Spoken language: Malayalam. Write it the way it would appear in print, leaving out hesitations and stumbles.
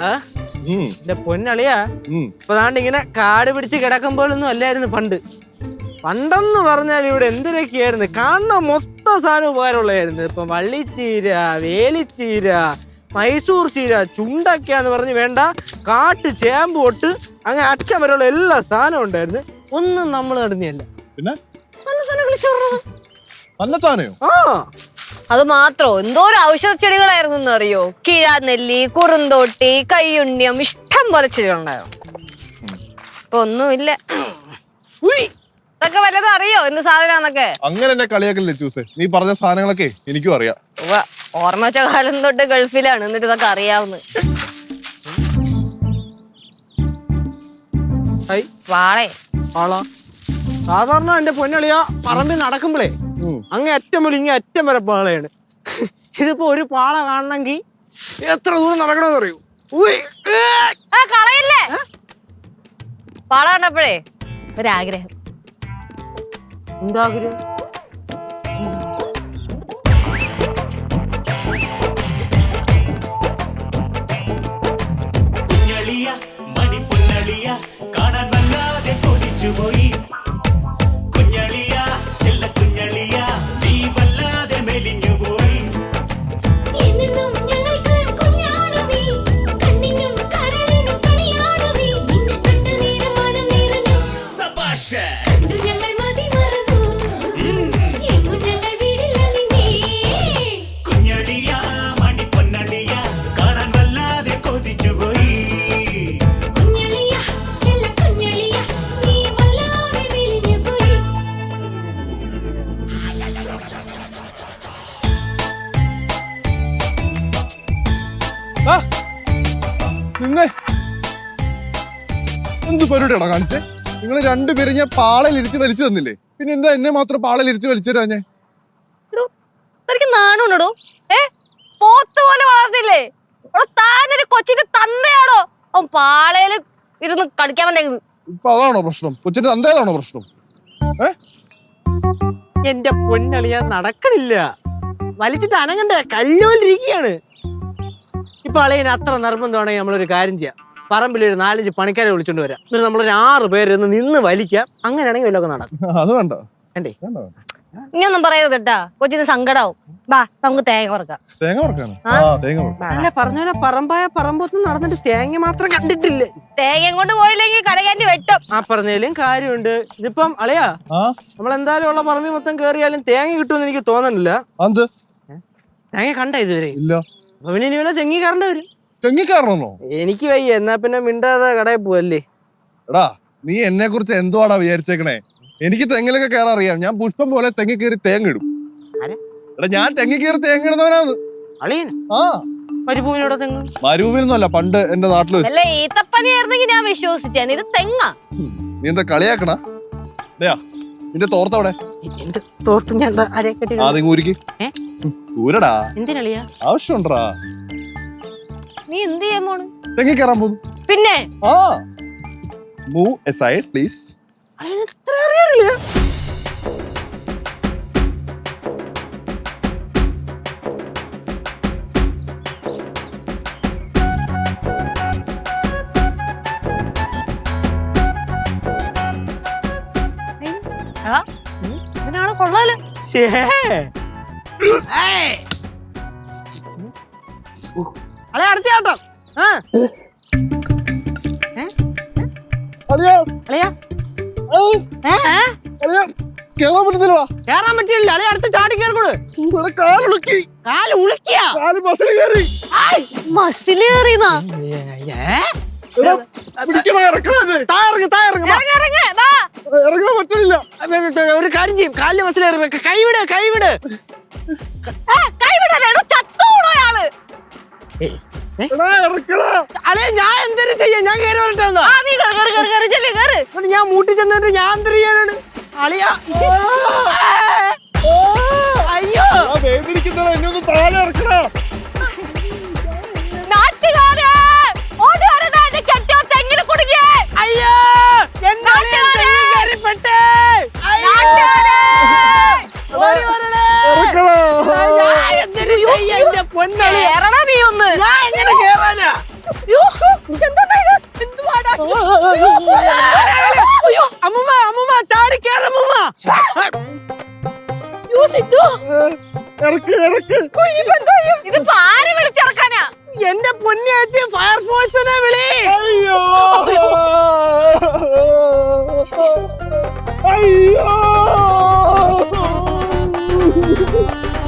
എന്റെ പൊന്നളിയാ ഇപ്പൊ ദാണ്ട് ഇങ്ങനെ കാട് പിടിച്ച് കിടക്കുമ്പോഴൊന്നും അല്ലായിരുന്നു പണ്ടെന്ന് പറഞ്ഞാൽ ഇവിടെ എന്തിനൊക്കെയായിരുന്നു കാണുന്ന മൊത്തം സാധനം ഉപകാരമുള്ളതായിരുന്നു. ഇപ്പൊ വള്ളിച്ചീര, വേലിച്ചീര, മൈസൂർ ചീര, ചുണ്ടക്കാന്ന് പറഞ്ഞ് വേണ്ട കാട്ട് ചേമ്പ് തൊട്ട് അങ്ങനെ അച്ഛൻ വരെയുള്ള എല്ലാ സാധനവും ഉണ്ടായിരുന്നു. ഒന്നും നമ്മൾ നടന്നിയല്ല. പിന്നെ അത് മാത്രോ എന്തോരം ഔഷധ ചെടികളായിരുന്നു അറിയോ? കിഴാനെല്ലി, കുറുന്തോട്ടി, കയ്യുണ്ണിയം, ഇഷ്ടം പോലെ ചെടികളുണ്ടായിരുന്നു. ഇപ്പൊ ഒന്നുമില്ല. ഇതൊക്കെ വല്ലതും അറിയോ എന്ത് സാധനമാന്നൊക്കെ? അങ്ങനെ എന്നെ കളിയാക്കല്ലേ ചൂസേ, നീ പറഞ്ഞ സാധനങ്ങളൊക്കെ എനിക്കും അറിയാം. ഓർമ്മ വെച്ച കാലം തൊട്ട് ഗൾഫിലാണ്, എന്നിട്ട് ഇതൊക്കെ അറിയാവുന്ന. സാധാരണ എന്റെ പൊന്നളിയാ പറമ്പിൽ നടക്കുമ്പോഴേ അങ്ങേ അറ്റം മുതൽ ഇങ്ങനെ അറ്റം വരെ പാളയാണ്. ഇതിപ്പോ ഒരു പാള കാണണമെങ്കിൽ എത്ര ദൂരം നടക്കണമെന്ന് അറിയൂ. കളയല്ലേ പാള കണ്ടപ്പോഴേ ഒരാഗ്രഹം. എന്താഗ്രഹം? മണിപ്പൊന്നളിയ കാണാൻ വല്ലാതെ കൊതിച്ചുപോയി. കുഞ്ഞളിയ ചെല്ല കുഞ്ഞളിയ നീ വല്ലാതെ മെലിഞ്ഞുപോയി. കുഞ്ഞളിയ മണിപ്പൊന്നളിയ കാണാൻ വല്ലാതെ കൊതിച്ചുപോയി. എന്ത് പരിപാടിയാണോ കാണിച്ചേ? നിങ്ങൾ രണ്ടുപേരും ഞാൻ പാളയിലിരുത്തി വലിച്ചു തന്നില്ലേ, പിന്നെ എന്താ എന്നെ മാത്രം പാളയിലിരുത്തി വലിച്ചു തരാ? ഞാൻ നാണുണ്ടോ? പോത്ത് പോലെ വളർന്നില്ലേ? താനൊരു കൊച്ചിന്റെ തന്തയാണോ? അവൻ പാളയില് ഇരുന്ന് കളിക്കാൻ വന്നേക്കുന്നത്. ഇപ്പൊ അതാണോ പ്രശ്നം? കൊച്ചിന്റെ തന്തേതാണോ പ്രശ്നം? എന്റെ പൊന്നളിയാ നടക്കണില്ല, വലിച്ചിട്ട് അനങ്ങണ്ടേ, കല്ലോലിരിക്കുകയാണ്. ഇപ്പൊ അളിയന് അത്ര നിർബന്ധമാണെങ്കിൽ നമ്മളൊരു കാര്യം ചെയ്യാം, പറമ്പിലൊരു 4-5 പണിക്കാരെ വിളിച്ചോണ്ട് വരാം, എന്നിട്ട് നമ്മളൊരു 6 പേര് നിന്ന് വലിക്കാം. അങ്ങനെയാണെങ്കിൽ വല്ലതൊക്കെ നടക്കും. അത് വേണ്ട. ഇനിയൊന്നും പറയരുത് കേട്ടാ, കൊച്ചിന് സങ്കടാവും. ബാ നമുക്ക് തേങ്ങ വറക്കാം. അല്ല പറഞ്ഞ പോലെ പറമ്പായ പറമ്പൊന്നും നടന്നിട്ട് തേങ്ങ മാത്രം കണ്ടിട്ടില്ലേ. തേങ്ങ കൊണ്ട് പോയില്ലെങ്കിൽ കരകയറ്റി വെട്ടും. ആ പറഞ്ഞാലും കാര്യമുണ്ട്. ഇതിപ്പം അളിയാ നമ്മളെന്തായാലും ഉള്ള പറമ്പിൽ മൊത്തം കേറിയാലും തേങ്ങ കിട്ടുമെന്ന് എനിക്ക് തോന്നണില്ല. തേങ്ങ കണ്ട ഇതുവരെ ഇല്ല. അപ്പൊ പിന്നെ ഇനി വല്ല തെങ്ങി കയറേണ്ടി വരും. തെങ്ങിക്കാരണോ? എനിക്ക് വയ്യ, എന്നാ പിന്നെ മിണ്ടാതെ കടയിൽ പോവല്ലേ. എടാ നീ എന്നെ കുറിച്ച് എന്തുവാടാ വിചാരിച്ചേക്കണേ? എനിക്ക് തെങ്ങിലൊക്കെ കയറാൻ അറിയാം. ഞാൻ പുഷ്പം പോലെ തെങ്ങി കയറി തേങ്ങ ഇടും. എടാ ഞാൻ തെങ്ങി കയറി തേങ്ങ ഇടുന്നവനാണ്. മരുഭൂമിയിലൂടെ തെങ്ങ്? മരുഭൂമിയൊന്നുമല്ല, പണ്ട് എന്റെ നാട്ടിൽ വെച്ച്. ഞാൻ വിശ്വസിച്ചേ ഇത് തെങ്ങാ. നീ എന്താ കളിയാക്കണ? നിന്റെ തോർത്തവിടെ ഊരടാ. ആവശ്യമുണ്ടാ? നീ എന്ത് ചെയ്യാൻ പോണ്? തെങ്ങി കയറാൻ പോകുന്നു. പിന്നെ മൂവ് aside please. ഇതിനാണ് കൊള്ളാലോ. അടുത്തയാട്ടം കേറാൻ പറ്റത്തില്ല. കേറാൻ പറ്റില്ല. അല്ലെ അടുത്ത് ചാടി കയറിക്കോളൂ. ഒരു കാര്യം ചെയ്യും, കാലില് മസിലേറി. കൈവിട് അല്ലെ ഞാൻ എന്തെങ്കിലും ചെയ്യാം. ഞാൻ കയറി വരട്ടെ. ഞാൻ മൂട്ടി ചെന്നിട്ട് ഞാൻ എന്തൊരു ചെയ്യാനാണ് അളിയ? അയ്യോ എന്നൊന്ന് താഴെ ഇറക്കണ. അയ്യോ എന്തൊരു ചെയ്യാ? പൊന്നളി നീ ഒന്ന് ഞാൻ എങ്ങനെ കേറാനാ? ഇറക്ക് ഇറക്ക്. ഇത് ആരെ വിളിച്ചിറക്കാനാ? എന്റെ പൊന്നിയാച്ചി ഫയർഫോഴ്സിനെ വിളി. അയ്യോ അയ്യോ